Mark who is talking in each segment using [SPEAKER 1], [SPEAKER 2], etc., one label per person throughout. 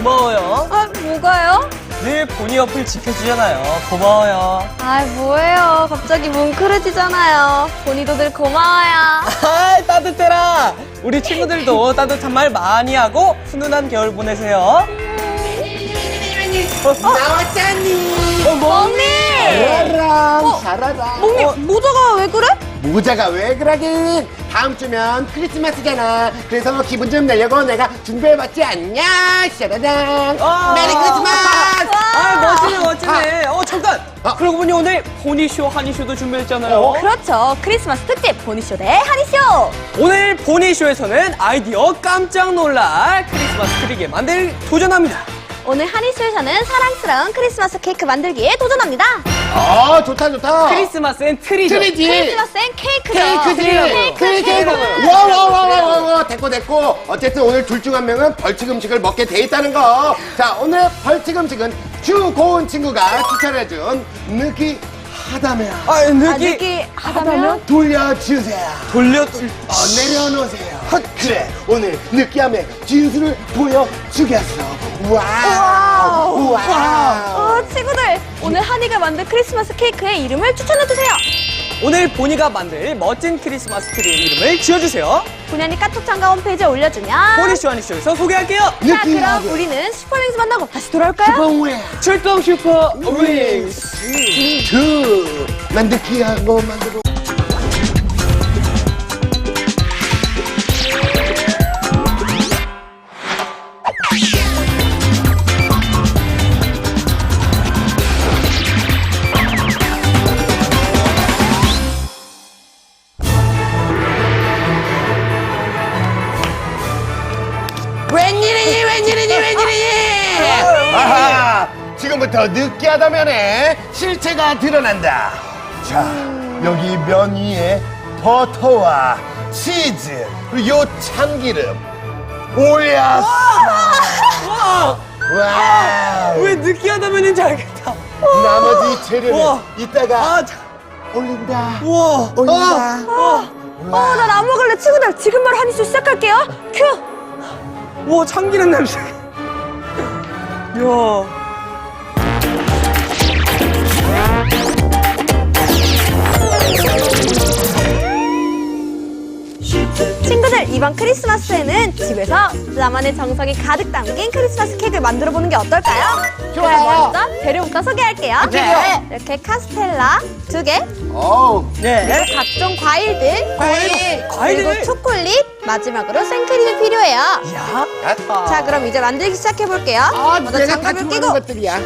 [SPEAKER 1] 고마워요.
[SPEAKER 2] 아, 뭐가요?
[SPEAKER 1] 늘 보니 옆을 지켜주잖아요. 고마워요.
[SPEAKER 2] 아, 뭐예요? 갑자기 뭉클해지잖아요. 보니도 늘 고마워요.
[SPEAKER 1] 아, 따뜻해라. 우리 친구들도 따뜻한 말 많이 하고 훈훈한 겨울 보내세요.
[SPEAKER 3] 나왔잖니.
[SPEAKER 2] 멍님!
[SPEAKER 3] 잘하라, 잘하라.
[SPEAKER 2] 멍님, 모자가 왜 그래?
[SPEAKER 3] 모자가 왜 그러긴? 다음 주면 크리스마스잖아. 그래서 기분 좀 내려고 내가 준비해봤지 않냐? 샤라랑. 메리 크리스마스!
[SPEAKER 1] 멋지네, 멋지네. 잠깐. 그러고 보니 오늘 보니쇼, 한이쇼도 준비했잖아요.
[SPEAKER 2] 그렇죠. 크리스마스 특집 보니쇼 대 한이쇼.
[SPEAKER 1] 오늘 보니쇼에서는 아이디어 깜짝 놀랄 크리스마스 트리게 만들 도전합니다.
[SPEAKER 2] 오늘 한이쇼에서는 사랑스러운 크리스마스 케이크 만들기에 도전합니다.
[SPEAKER 3] 좋다, 좋다.
[SPEAKER 1] 크리스마스엔 트리죠.
[SPEAKER 3] 트리지.
[SPEAKER 2] 크리스마스엔 케이크죠.
[SPEAKER 3] 케이크. 와. 됐고. 어쨌든 오늘 둘 중 한 명은 벌칙 음식을 먹게 돼 있다는 거. 자, 오늘 벌칙 음식은 주고은 친구가 추천해준 느끼하다면.
[SPEAKER 2] 느끼하다면?
[SPEAKER 3] 돌려주세요. 내려놓으세요. 그래, 오늘 느끼함의 진수를 보여주겠어. 와우.
[SPEAKER 2] 친구들, 오늘 한이가 만든 크리스마스 케이크의 이름을 추천해주세요.
[SPEAKER 1] 오늘 보니가 만들 멋진 크리스마스 트리의 이름을 지어주세요.
[SPEAKER 2] 본연이 카톡 참가 홈페이지에 올려주면
[SPEAKER 1] 보니쇼 한이쇼에서 소개할게요.
[SPEAKER 2] 자, 그럼 우리는 슈퍼링스 만나고 다시 돌아올까요?
[SPEAKER 1] 출동 슈퍼 윙스.
[SPEAKER 3] 난 느끼한 거 만들어. 웬일이니? 아하, 지금부터 느끼하다면에 실체가 드러난다. 자, 여기 면 위에 버터와 치즈, 그리고 요 참기름 올렸어. 와.
[SPEAKER 1] 왜 느끼하다면인지 알겠다.
[SPEAKER 3] 나머지 재료는
[SPEAKER 1] 우와.
[SPEAKER 3] 이따가 올린다.
[SPEAKER 1] 우와.
[SPEAKER 3] 올린다.
[SPEAKER 2] 난 안 먹을래. 친구들, 지금 바로 한이쇼 시작할게요. 큐!
[SPEAKER 1] 우와, 참기름 냄새. 이야.
[SPEAKER 2] 친구들, 이번 크리스마스에는 집에서 나만의 정성이 가득 담긴 크리스마스 케이크를 만들어 보는 게 어떨까요?
[SPEAKER 3] 좋아요.
[SPEAKER 2] 먼저 재료부터 소개할게요.
[SPEAKER 1] 네.
[SPEAKER 2] 이렇게 카스텔라 2개,
[SPEAKER 1] 네.
[SPEAKER 2] 그리고 각종 과일들, 그리고
[SPEAKER 1] 과일들.
[SPEAKER 2] 초콜릿, 마지막으로 생크림이 필요해요.
[SPEAKER 1] 야.
[SPEAKER 2] 자, 그럼 이제 만들기 시작해 볼게요. 먼저
[SPEAKER 3] 내가 다
[SPEAKER 2] 장갑을
[SPEAKER 3] 좋아하는
[SPEAKER 2] 끼고
[SPEAKER 3] 것들이야.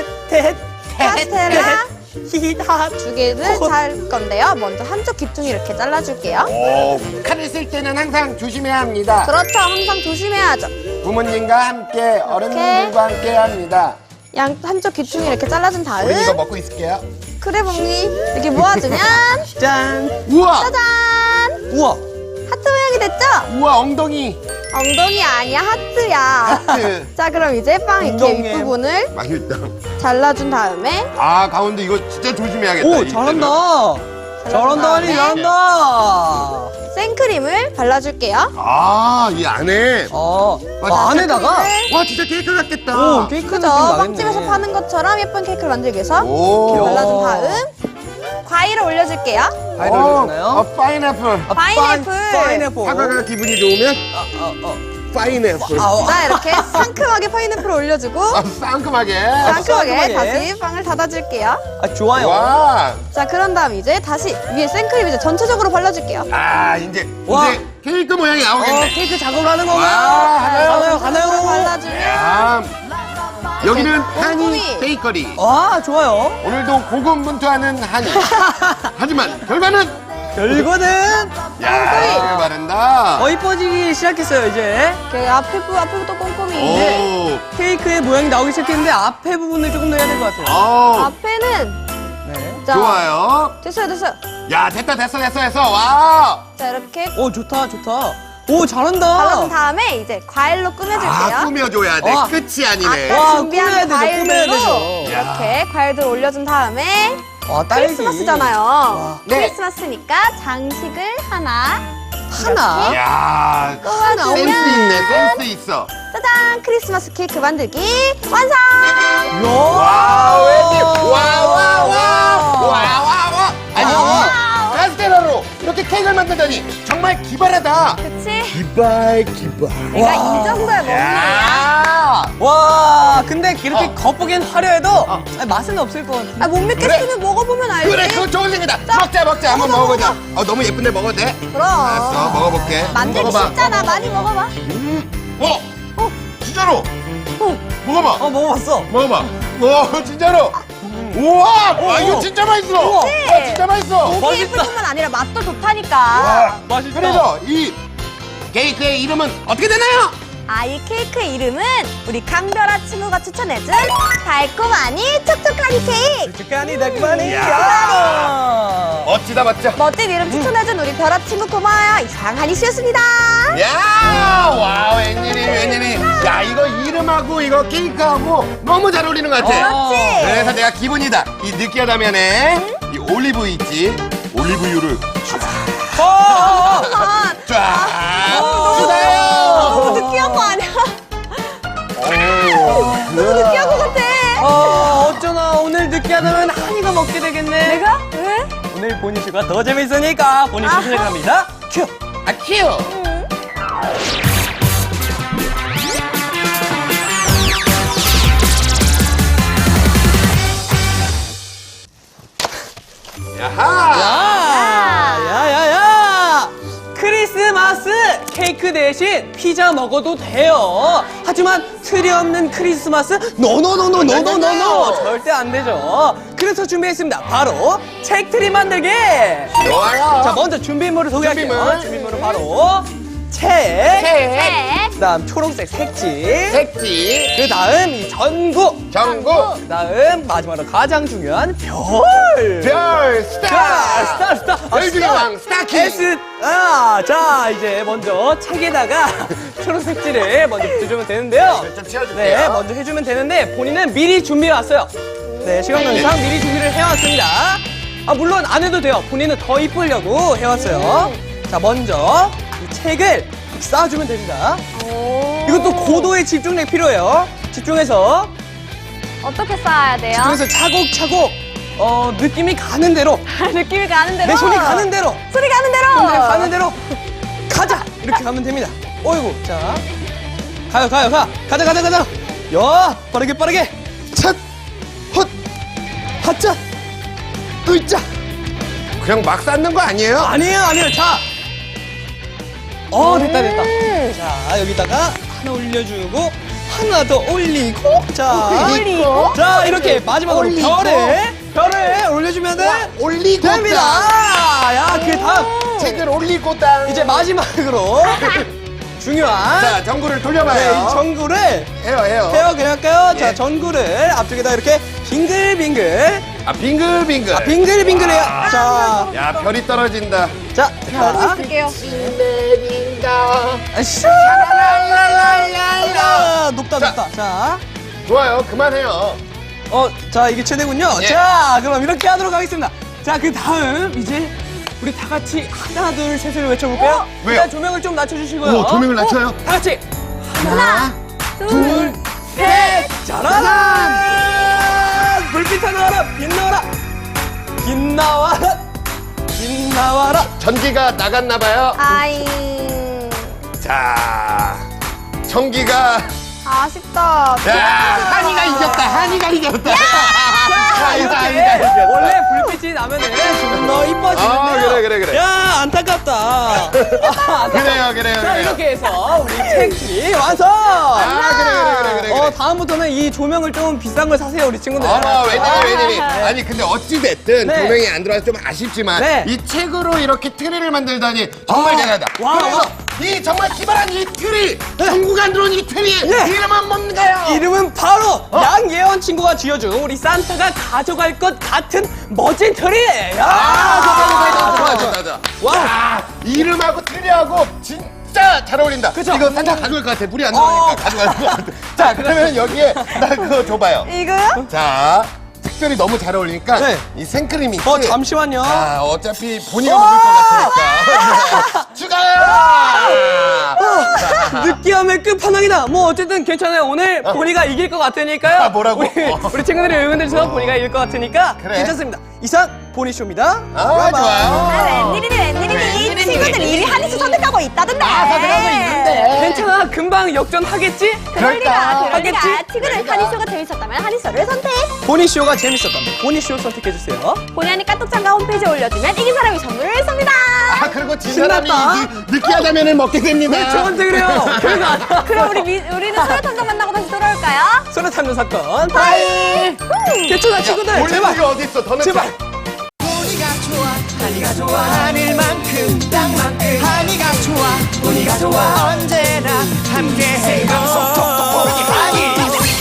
[SPEAKER 2] 카스텔라
[SPEAKER 1] 히다.
[SPEAKER 2] 2개를 잘 건데요. 먼저 한쪽 귀퉁이 이렇게 잘라줄게요.
[SPEAKER 3] 칼을 쓸 때는 항상 조심해야 합니다.
[SPEAKER 2] 그렇죠. 항상 조심해야죠.
[SPEAKER 3] 부모님과 함께 어른들과 함께 합니다.
[SPEAKER 2] 한쪽 귀퉁이 이렇게 잘라준 다음
[SPEAKER 3] 우리 이거 먹고 있을게요.
[SPEAKER 2] 그래 봉이 이렇게 모아주면
[SPEAKER 1] 짠.
[SPEAKER 3] 우와!
[SPEAKER 2] 짜잔!
[SPEAKER 1] 우와.
[SPEAKER 2] 하트 모양이 됐죠?
[SPEAKER 3] 우와, 엉덩이.
[SPEAKER 2] 엉덩이 아니야, 하트야.
[SPEAKER 3] 하트.
[SPEAKER 2] 자, 그럼 이제 빵 이렇게
[SPEAKER 1] 엉덩이.
[SPEAKER 2] 윗부분을
[SPEAKER 3] 맛있다.
[SPEAKER 2] 잘라준 다음에
[SPEAKER 3] 가운데 이거 진짜 조심해야겠다.
[SPEAKER 1] 오, 잘한다. 잘한다, 한이
[SPEAKER 2] 다음에
[SPEAKER 1] 잘한다.
[SPEAKER 2] 생크림을 발라줄게요.
[SPEAKER 3] 이 안에.
[SPEAKER 1] 안에다가?
[SPEAKER 3] 와, 진짜 케이크 같겠다.
[SPEAKER 1] 오, 케이크 느낌
[SPEAKER 2] 그죠?
[SPEAKER 1] 나겠네.
[SPEAKER 2] 빵집에서 파는 것처럼 예쁜 케이크를 만들기 위해서
[SPEAKER 3] 오.
[SPEAKER 2] 발라준 다음 과일을 올려줄게요.
[SPEAKER 1] 과일을 올려주나요?
[SPEAKER 3] 파인애플.
[SPEAKER 2] 파인애플.
[SPEAKER 3] 사과가 기분이 좋으면 파인애플.
[SPEAKER 2] 자, 이렇게 상큼하게 파인애플을 올려주고
[SPEAKER 3] 상큼하게.
[SPEAKER 2] 상큼하게 다시 빵을 닫아줄게요.
[SPEAKER 1] 좋아요.
[SPEAKER 3] 와.
[SPEAKER 2] 자, 그런 다음 이제 다시 위에 생크림 이제 전체적으로 발라줄게요.
[SPEAKER 3] 이제
[SPEAKER 1] 와.
[SPEAKER 3] 케이크 모양이 나오겠네.
[SPEAKER 1] 케이크 작업을 하는
[SPEAKER 3] 와,
[SPEAKER 1] 건가요? 가나요?
[SPEAKER 2] 발라주면
[SPEAKER 3] 야. 여기는 한이
[SPEAKER 2] 꼼꼼히.
[SPEAKER 3] 베이커리.
[SPEAKER 1] 좋아요.
[SPEAKER 3] 오늘도 고군분투하는 한이. 하지만 결과는
[SPEAKER 1] 결과는
[SPEAKER 3] 야, 바른다.
[SPEAKER 1] 이뻐지기 시작했어요, 이제.
[SPEAKER 2] 이렇게 앞에부터 꼼꼼히.
[SPEAKER 3] 오.
[SPEAKER 1] 케이크의 모양이 나오기 시작했는데 앞에 부분을 조금 더 해야 될 것 같아요.
[SPEAKER 2] 앞에는
[SPEAKER 1] 네.
[SPEAKER 2] 자,
[SPEAKER 3] 좋아요.
[SPEAKER 2] 됐어요.
[SPEAKER 3] 야, 됐어. 와.
[SPEAKER 2] 자, 이렇게
[SPEAKER 1] 좋다. 오, 잘한다.
[SPEAKER 2] 발라준 다음에 이제 과일로 꾸며줄게요.
[SPEAKER 3] 꾸며줘야 돼.
[SPEAKER 1] 와.
[SPEAKER 3] 끝이 아니네.
[SPEAKER 2] 아까 준비한
[SPEAKER 1] 꾸며야 되죠, 꾸며야
[SPEAKER 2] 과일들로
[SPEAKER 1] 되죠.
[SPEAKER 2] 이렇게 과일들 올려준 다음에
[SPEAKER 1] 딸기.
[SPEAKER 2] 크리스마스잖아요.
[SPEAKER 3] 네.
[SPEAKER 2] 크리스마스니까 장식을 하나
[SPEAKER 1] 하나.
[SPEAKER 3] 야,
[SPEAKER 2] 뽑아주면
[SPEAKER 3] 센스 있네, 센스 있어.
[SPEAKER 2] 짜잔! 크리스마스 케이크 만들기 완성!
[SPEAKER 3] 와, 웬일? 와. 아니, 카스테라로 이렇게 케이크를 만들다니 정말 기발하다.
[SPEAKER 2] 그치?
[SPEAKER 3] 기발.
[SPEAKER 2] 내가 이 정도야 먹는
[SPEAKER 3] 야.
[SPEAKER 1] 와, 근데 이렇게 겉보기엔 화려해도 맛은 없을 것 같은데.
[SPEAKER 2] 아, 못 믿겠으면 먹어보면 알지?
[SPEAKER 3] 그래, 그거 좋은 생각이다. 먹자. 한번 먹어보자. 너무 예쁜데 먹어도 돼?
[SPEAKER 2] 그럼.
[SPEAKER 3] 알았어, 먹어볼게.
[SPEAKER 2] 만들기
[SPEAKER 3] 먹어봐.
[SPEAKER 2] 쉽잖아. 많이 먹어봐.
[SPEAKER 3] 진짜로. 먹어봐.
[SPEAKER 1] 먹어봤어.
[SPEAKER 3] 먹어봐. 진짜로. 우와, 이거 진짜 맛있어.
[SPEAKER 1] 우와.
[SPEAKER 3] 진짜 맛있어.
[SPEAKER 2] 보기 예쁠
[SPEAKER 1] 맛있다.
[SPEAKER 2] 뿐만 아니라 맛도 좋다니까.
[SPEAKER 3] 와,
[SPEAKER 1] 맛있다.
[SPEAKER 3] 그래서 이 케이크의 이름은 어떻게 되나요?
[SPEAKER 2] 이 케이크 이름은 우리 강별아 친구가 추천해준 달콤하니 촉촉하니 케이크.
[SPEAKER 1] 촉촉하니 달콤하니.
[SPEAKER 3] 이야.
[SPEAKER 1] 야.
[SPEAKER 3] 멋지다, 맞죠?
[SPEAKER 2] 멋진 이름 추천해준 우리 별아 친구 고마워요. 이상하니 씨였습니다.
[SPEAKER 3] 야, 와, 웬일이. 야, 이거 이름하고 이거 케이크하고 너무 잘 어울리는 것 같아.
[SPEAKER 2] 그렇지?
[SPEAKER 3] 그래서 내가 기분이다. 이 느끼하다면에 이 올리브 있지? 올리브유를 쫙 주세요.
[SPEAKER 2] 너무 느끼한 거 아니야? 너무 느끼한 거 같아.
[SPEAKER 1] 어쩌나 오늘 느끼하다면 한이가 먹게 되겠네.
[SPEAKER 2] 내가? 왜?
[SPEAKER 1] 오늘 보니슈가 더 재밌으니까 보니슈 시작합니다. 큐.
[SPEAKER 3] 큐. 야하.
[SPEAKER 1] 야야야! 크리스마스 케이크 대신 피자 먹어도 돼요. 하지만 틀이 없는 크리스마스 노노노노노노노노 절대 안 되죠. 그래서 준비했습니다. 바로 책트리 만들기.
[SPEAKER 3] 좋아요.
[SPEAKER 1] 자, 먼저 준비물을 소개할게요.
[SPEAKER 3] 준비물.
[SPEAKER 1] 준비물은 바로 책,
[SPEAKER 2] 네.
[SPEAKER 1] 그다음 초록색 색지,
[SPEAKER 3] 색지,
[SPEAKER 1] 그 다음 이 전구,
[SPEAKER 3] 전구,
[SPEAKER 1] 그 다음 마지막으로 가장 중요한 별.
[SPEAKER 3] 별, 스타.
[SPEAKER 1] 스타.
[SPEAKER 3] 별 중에 왕, 스타킹.
[SPEAKER 1] S. 자, 이제 먼저 책에다가 초록 색지를 먼저 붙여주면 되는데요.
[SPEAKER 3] 좀 치워줄게요.
[SPEAKER 1] 네, 먼저 해주면 되는데 본인은 미리 준비해왔어요. 네, 시간관계상 미리 준비를 해왔습니다. 물론 안 해도 돼요. 본인은 더 이쁘려고 해왔어요. 자, 먼저 이 책을 쌓아주면 됩니다. 이것도 고도의 집중력이 필요해요. 집중해서
[SPEAKER 2] 어떻게 쌓아야 돼요?
[SPEAKER 1] 집중해서 차곡차곡 느낌이 가는 대로,
[SPEAKER 2] 느낌이 가는 대로.
[SPEAKER 1] 내 손이 가는 대로,
[SPEAKER 2] 소리 가는 대로.
[SPEAKER 1] 손이 가는 대로 가자, 이렇게 가면 됩니다. 어이구, 자, 가자. 야, 빠르게. 찻, 헛, 하자, 으이자.
[SPEAKER 3] 그냥 막 쌓는 거 아니에요?
[SPEAKER 1] 아니에요. 자, 됐다. 자, 여기다가 하나 올려주고 하나 더 올리고,
[SPEAKER 2] 올리고.
[SPEAKER 1] 자, 이렇게 마지막으로
[SPEAKER 3] 올리고.
[SPEAKER 1] 별을 올려주면
[SPEAKER 3] 올리고
[SPEAKER 1] 됩니다. 야, 그 다음
[SPEAKER 3] 책을 올리고 땅.
[SPEAKER 1] 이제 마지막으로 중요한
[SPEAKER 3] 자, 전구를
[SPEAKER 1] 네,
[SPEAKER 3] 돌려봐요.
[SPEAKER 1] 이 전구를
[SPEAKER 3] 해요.
[SPEAKER 1] 그냥 할까요?
[SPEAKER 3] 예.
[SPEAKER 1] 자, 전구를 앞쪽에다 이렇게 빙글빙글
[SPEAKER 3] 빙글빙글.
[SPEAKER 1] 빙글빙글해요. 자,
[SPEAKER 3] 야, 별이 떨어진다.
[SPEAKER 1] 자,
[SPEAKER 2] 하고 있을게요.
[SPEAKER 1] 슈! 높다. 자,
[SPEAKER 3] 좋아요, 그만해요.
[SPEAKER 1] 자, 이게 최대군요.
[SPEAKER 3] 예.
[SPEAKER 1] 자, 그럼 이렇게 하도록 하겠습니다. 자, 그 다음 이제 우리 다 같이 하나, 둘, 셋을 외쳐볼까요?
[SPEAKER 3] 왜요?
[SPEAKER 1] 일단 조명을 좀 낮춰주시고요.
[SPEAKER 3] 조명을 낮춰요.
[SPEAKER 1] 다 같이
[SPEAKER 2] 하나, 둘,
[SPEAKER 1] 셋! 짜라란! 불빛 하나라, 빛 나와라.
[SPEAKER 3] 전기가 나갔나봐요.
[SPEAKER 2] 아이.
[SPEAKER 3] 자, 전기가.
[SPEAKER 2] 아쉽다.
[SPEAKER 3] 한이가 이겼다.
[SPEAKER 1] 이렇게 원래 불빛이 나면은 좀 더 이뻐지는데요.
[SPEAKER 3] 그래.
[SPEAKER 1] 야, 안타깝다.
[SPEAKER 3] 그래요.
[SPEAKER 1] 자, 이렇게 해서 우리 책이 완성!
[SPEAKER 3] 그래.
[SPEAKER 1] 다음부터는 이 조명을 좀 비싼 걸 사세요, 우리 친구들.
[SPEAKER 3] 웬일이. 아니, 근데 어찌됐든
[SPEAKER 1] 네.
[SPEAKER 3] 조명이 안 들어와서 좀 아쉽지만
[SPEAKER 1] 네.
[SPEAKER 3] 이 책으로 이렇게 트리를 만들다니 정말 대단하다.
[SPEAKER 1] 와.
[SPEAKER 3] 그래서 이 정말 기발한 이 트리, 전구가 안 들어온 이 트리,
[SPEAKER 1] 네.
[SPEAKER 3] 이름은 뭔가요?
[SPEAKER 1] 이름은 바로 양예원 친구가 지어준 우리 산타가 가져갈 것 같은 멋진 트리!
[SPEAKER 3] 좋아.
[SPEAKER 1] 와.
[SPEAKER 3] 야, 이름하고 트리하고 진짜 잘 어울린다.
[SPEAKER 1] 그쵸?
[SPEAKER 3] 이거 산타 가져갈 것 같아. 물이 안 들어오니까 가져갈 것 같아. 자, 그러면 여기에 나 그거 줘봐요.
[SPEAKER 2] 이거요?
[SPEAKER 3] 자, 특별히 너무 잘 어울리니까
[SPEAKER 1] 네.
[SPEAKER 3] 이 생크림이
[SPEAKER 1] 잠시만요.
[SPEAKER 3] 어차피 본이가 먹을 것 같으니까 추가요!
[SPEAKER 1] 느끼함의 끝판왕이다. 뭐 어쨌든 괜찮아요. 오늘 보니가 이길 것 같으니까요.
[SPEAKER 3] 아, 뭐라고?
[SPEAKER 1] 우리 친구들이 응원해주셔서 보니가 이길 것 같으니까
[SPEAKER 3] 그래.
[SPEAKER 1] 괜찮습니다. 이상 보니쇼입니다.
[SPEAKER 3] 좋아요.
[SPEAKER 2] 아, 웬일이니. 친구들이 1위 한이스 선택하고 있다던데.
[SPEAKER 3] 선택하고 있는데.
[SPEAKER 1] 괜찮아. 금방 역전하겠지?
[SPEAKER 2] 그럴 리가.
[SPEAKER 1] 하겠지?
[SPEAKER 2] 친구들 한이쇼가 재밌었다면 한이쇼를 선택.
[SPEAKER 1] 보니쇼가 재밌었다면 보니쇼 선택해주세요.
[SPEAKER 2] 본의 아닌 까똑장가 홈페이지에 올려주면 이긴 사람이 선물을 쏩니다.
[SPEAKER 3] 그리고 진 사람이
[SPEAKER 1] 신났다.
[SPEAKER 3] 느끼하다면을 먹게 됩니다.
[SPEAKER 1] 왜 저한테 그래요? 별거 아니야.
[SPEAKER 2] 그럼 우리는 소녀탐정 만나고 다시 돌아올까요?
[SPEAKER 1] 소녀 탐정 사건 바이. 괜찮아 친구들.
[SPEAKER 3] 본이
[SPEAKER 1] 제발.
[SPEAKER 3] 어디 있어? 더는
[SPEAKER 1] 제발.
[SPEAKER 4] 보니가 좋아 하니가 좋아 하늘만큼 땅만큼 하니가 좋아 보니가 좋아 언제나 함께해요 보니 하니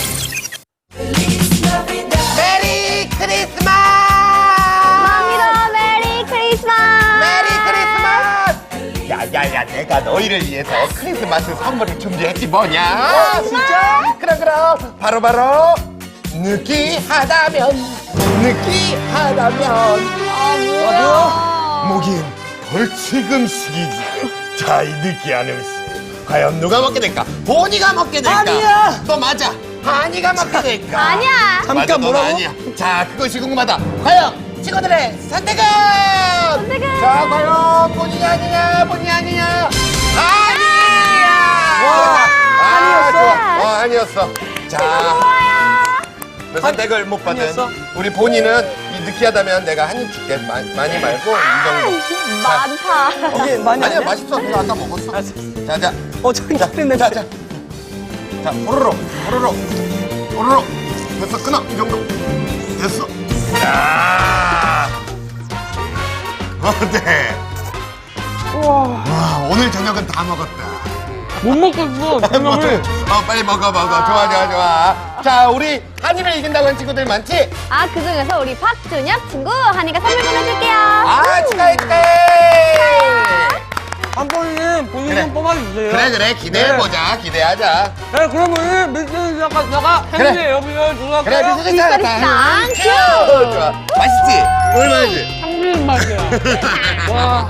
[SPEAKER 4] 메리 크리스마스
[SPEAKER 2] mamita, 메리 크리스마스.
[SPEAKER 3] 메리 크리스마스! 야야야, 내가 너희를 위해서 크리스마스 선물을 준비했지 뭐냐? 진짜? 그럼 바로 느끼하다면 뭐긴 벌칙음식이지. 자, 이 느끼한 음식 과연 누가 먹게 될까? 보니가 먹게 될까?
[SPEAKER 1] 아니야.
[SPEAKER 3] 너 맞아. 하니가 먹게 될까?
[SPEAKER 2] 아니야.
[SPEAKER 1] 잠깐
[SPEAKER 3] 맞아, 너는
[SPEAKER 1] 뭐라고?
[SPEAKER 3] 아니야. 자, 그것이 궁금하다. 과연 친구들의 선택은?
[SPEAKER 2] 선택은?
[SPEAKER 3] 자, 과연 본이 아니냐? 본이 아니냐? 아니야!
[SPEAKER 1] 와,
[SPEAKER 3] 좋아. 아니었어. 자, 그 선택을 못 받은
[SPEAKER 1] 아니었어?
[SPEAKER 3] 우리 본이는 이 느끼하다면 내가 한 입 줄게. 많이 말고 이 정도.
[SPEAKER 2] 많다.
[SPEAKER 1] 이게 많이
[SPEAKER 3] 아니야,
[SPEAKER 1] 아니야?
[SPEAKER 3] 맛있어. 내가 아까 먹었어.
[SPEAKER 1] 알았어.
[SPEAKER 3] 자.
[SPEAKER 1] 저기 있는
[SPEAKER 3] 자. 자, 호로록. 됐어, 끊어. 이 정도. 됐어. 야. 네. 와, 오늘 저녁은 다 먹었다.
[SPEAKER 1] 못 먹겠어. 저녁을.
[SPEAKER 3] 빨리 먹어. 좋아. 자, 우리 한이를 이긴다고 한 친구들 많지?
[SPEAKER 2] 아, 그 중에서 우리 박준혁 친구 한이가 선물 보내줄게요.
[SPEAKER 3] 축하해.
[SPEAKER 1] 한 번은 본인
[SPEAKER 3] 그래.
[SPEAKER 1] 좀 뽑아주세요.
[SPEAKER 3] 그래, 기대해보자. 기대하자.
[SPEAKER 1] 네, 그러면은 미스터 작가가
[SPEAKER 3] 그래.
[SPEAKER 1] 행운의 여비를 들어갈까요?
[SPEAKER 3] 그래, 미스터
[SPEAKER 2] 짱
[SPEAKER 3] 큐! 좋아. 맛있지? 얼마지?
[SPEAKER 1] 한국 맛이야. 와.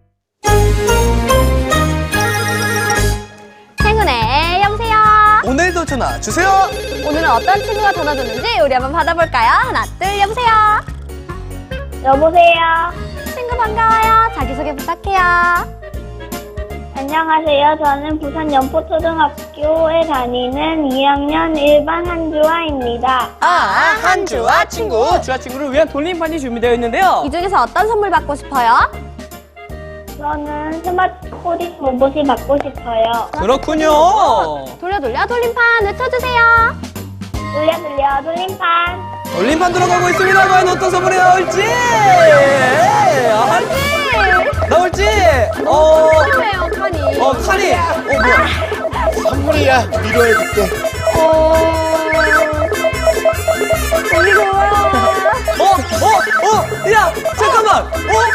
[SPEAKER 2] 행운의 여보세요.
[SPEAKER 1] 오늘도 전화 주세요.
[SPEAKER 2] 오늘은 어떤 친구가 전화 줬는지 우리 한번 받아볼까요? 하나, 둘, 여보세요. 여보세요. 친구 반가워요. 자기소개 부탁해요.
[SPEAKER 5] 안녕하세요. 저는 부산 연포초등학교에 다니는 2학년 1반 한주아입니다.
[SPEAKER 1] 한주아 친구. 주아 친구를 위한 돌림판이 준비되어 있는데요.
[SPEAKER 2] 이 중에서 어떤 선물 받고 싶어요?
[SPEAKER 5] 저는 스마트 코딩 로봇이 받고 싶어요.
[SPEAKER 1] 그렇군요.
[SPEAKER 2] 돌려 돌림판 외쳐주세요.
[SPEAKER 5] 돌려 돌림판.
[SPEAKER 1] 돌림판 들어가고 있습니다. 과연 어떤 선물이 나올지. 나올지.
[SPEAKER 2] 필요해요, 칸이.
[SPEAKER 1] 칼이. 뭐야.
[SPEAKER 3] 선물이야. 위로해줄게.
[SPEAKER 2] 언니 고마워.
[SPEAKER 1] 야, 잠깐만.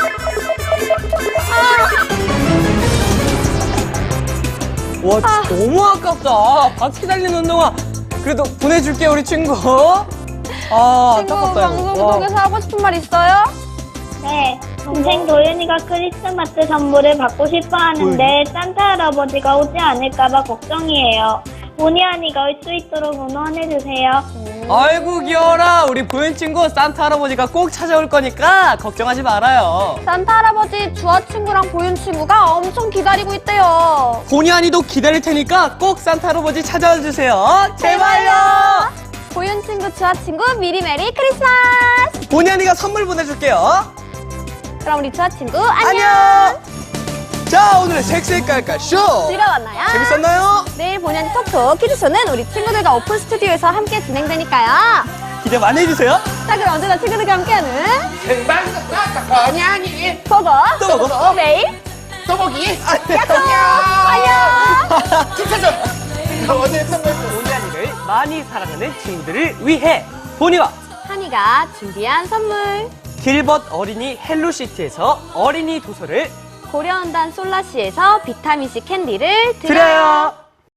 [SPEAKER 1] 와, 너무 아깝다. 바퀴 달린 운동화. 그래도 보내줄게, 우리 친구.
[SPEAKER 2] 친구
[SPEAKER 1] 아깝다.
[SPEAKER 2] 방송
[SPEAKER 1] 이거. 와.
[SPEAKER 2] 속에서 하고 싶은 말 있어요?
[SPEAKER 5] 네. 동생 도윤이가 크리스마스 선물을 받고 싶어 하는데 산타 할아버지가 오지 않을까봐 걱정이에요. 본의 아니가 올 수 있도록 응원해주세요.
[SPEAKER 1] 아이고, 귀여워라. 우리 보현 친구 산타 할아버지가 꼭 찾아올 거니까 걱정하지 말아요.
[SPEAKER 2] 산타 할아버지 주아 친구랑 보윤 친구가 엄청 기다리고 있대요.
[SPEAKER 1] 본의 아니도 기다릴 테니까 꼭 산타 할아버지 찾아와 주세요. 제발요.
[SPEAKER 2] 보윤 친구, 주아 친구 미리 메리 크리스마스.
[SPEAKER 1] 본의 아니가 선물 보내줄게요.
[SPEAKER 2] 그럼 우리 주아 친구 안녕.
[SPEAKER 1] 안녕. 자, 오늘의 색색깔깔 쇼.
[SPEAKER 2] 즐거웠나요?
[SPEAKER 1] 재밌었나요?
[SPEAKER 2] 내일 본의 아닌 톡톡 퀴즈쇼는 우리 친구들과 오픈 스튜디오에서 함께 진행되니까요.
[SPEAKER 1] 기대 많이 해주세요.
[SPEAKER 2] 자, 그럼 언제나 친구들과 함께하는
[SPEAKER 3] 본이 아니.
[SPEAKER 2] 보고
[SPEAKER 1] 또 보고.
[SPEAKER 2] 내일
[SPEAKER 3] 또보기.
[SPEAKER 2] 안녕.
[SPEAKER 3] 추천점. 오늘 선물.
[SPEAKER 1] 본의 아니를 많이 사랑하는 친구들을 위해 본이와
[SPEAKER 2] 한이가 준비한 선물.
[SPEAKER 1] 길벗 어린이 헬로시티에서 어린이 도서를
[SPEAKER 2] 고려원단 솔라시에서 비타민C 캔디를 드려요.
[SPEAKER 1] 드려요.